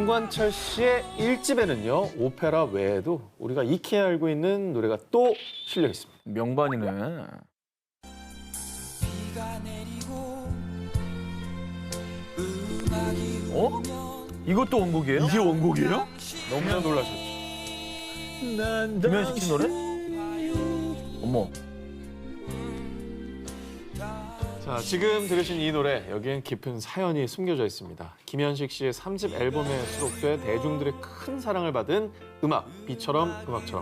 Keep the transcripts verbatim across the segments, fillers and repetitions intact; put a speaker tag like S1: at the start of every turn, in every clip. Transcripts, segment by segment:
S1: 문관철 씨의 일 집에는요, 오페라 외에도 우리가 익히 알고 있는 노래가 또 실려 있습니다.
S2: 명반이네. 어? 이것도 원곡이에요?
S3: 이게 원곡이에요?
S1: 너무나 놀라셨죠.
S2: 김현식 씨 노래? 어머.
S1: 자, 지금 들으신 이 노래, 여기엔 깊은 사연이 숨겨져 있습니다. 김현식 씨의 삼 집 앨범에 수록돼 대중들의 큰 사랑을 받은 음악, 비처럼 음악처럼.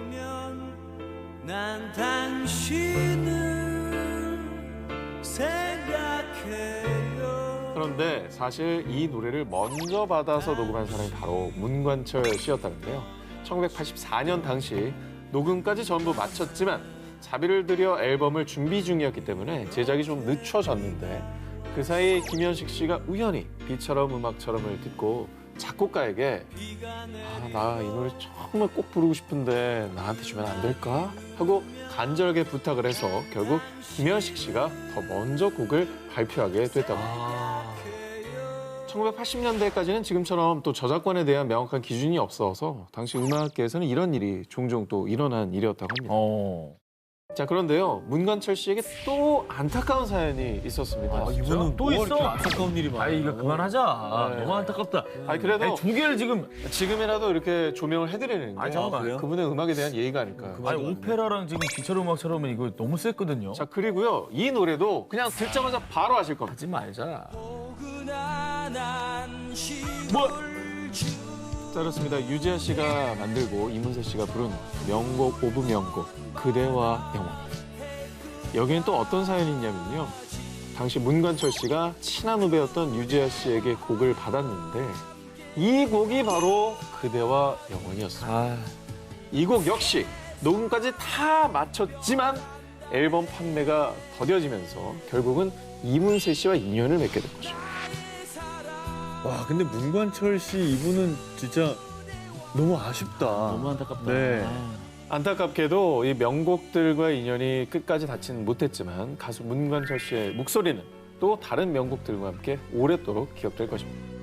S4: 난 당신을 생각해요.
S1: 그런데 사실 이 노래를 먼저 받아서 녹음한 사람이 바로 문관철 씨였다는데요. 천구백팔십사 년 당시 녹음까지 전부 마쳤지만 자비를 들여 앨범을 준비 중이었기 때문에 제작이 좀 늦춰졌는데 그 사이 김현식 씨가 우연히 비처럼 음악처럼을 듣고 작곡가에게 아, 나 이 노래 정말 꼭 부르고 싶은데 나한테 주면 안 될까? 하고 간절하게 부탁을 해서 결국 김현식 씨가 더 먼저 곡을 발표하게 됐다고 합니다. 천구백팔십 년대까지는 지금처럼 또 저작권에 대한 명확한 기준이 없어서 당시 음악계에서는 이런 일이 종종 또 일어난 일이었다고 합니다.
S2: 어.
S1: 자, 그런데요, 문관철 씨에게 또 안타까운 사연이 있었습니다.
S3: 아, 이분은
S2: 또 있어?
S3: 이렇게 안타까운 일이 많아.
S2: 아이, 이거 그만하자.
S1: 네.
S2: 너무 안타깝다.
S1: 아니, 그래도
S2: 아니, 두 개를 지금.
S1: 지금이라도 이렇게 조명을 해드리는 게
S2: 아, 잠깐만.
S1: 그분의 음악에 대한 예의가 아닐까요?
S2: 아니, 오페라랑 지금 기차로 음악처럼은 이거 너무 셌거든요.
S1: 자, 그리고요, 이 노래도 그냥 듣자마자 바로 아실 겁니다.
S2: 하지 말자.
S1: 뭐? 자, 그렇습니다. 유지아 씨가 만들고 이문세 씨가 부른 명곡 오브 명곡 그대와 영원히. 여기엔 또 어떤 사연이 있냐면요. 당시 문관철 씨가 친한 후배였던 유지아 씨에게 곡을 받았는데 이 곡이 바로 그대와 영원이었습니다.
S2: 아.
S1: 이 곡 역시 녹음까지 다 마쳤지만 앨범 판매가 더뎌지면서 결국은 이문세 씨와 인연을 맺게 된 거죠.
S3: 와, 근데 문관철 씨 이분은 진짜 너무 아쉽다.
S2: 너무 안타깝다.
S3: 네.
S2: 아.
S1: 안타깝게도 이 명곡들과의 인연이 끝까지 닿지는 못했지만 가수 문관철 씨의 목소리는 또 다른 명곡들과 함께 오랫도록 기억될 것입니다.